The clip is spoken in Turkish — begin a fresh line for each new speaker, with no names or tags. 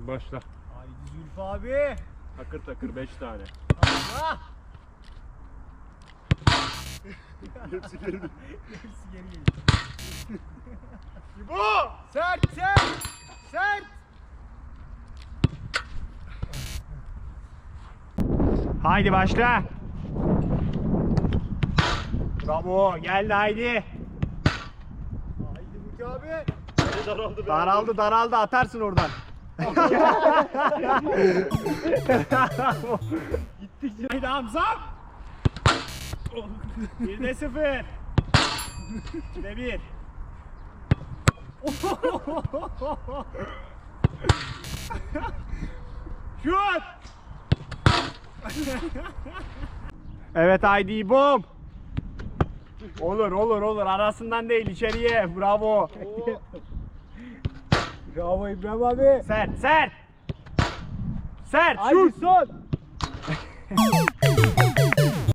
Başla.
Haydi Zülfü abi.
Takır takır 5 tane.
Allah.
Hepsi geri dön.
Hepsi geri geliyor. İbo! Sert sert! Sert! Haydi başla. Bravo, geldi haydi. Haydi Burki abi.
Daraldı be.
Daraldı atarsın oradan. Gitti. Haydi Hamza. 1'de 0. 2'de 1. Şut. Evet haydi bom. Olur arasından değil içeriye. Bravo. Bravo İbrahim abi. Sert. Haydi
şut.
son.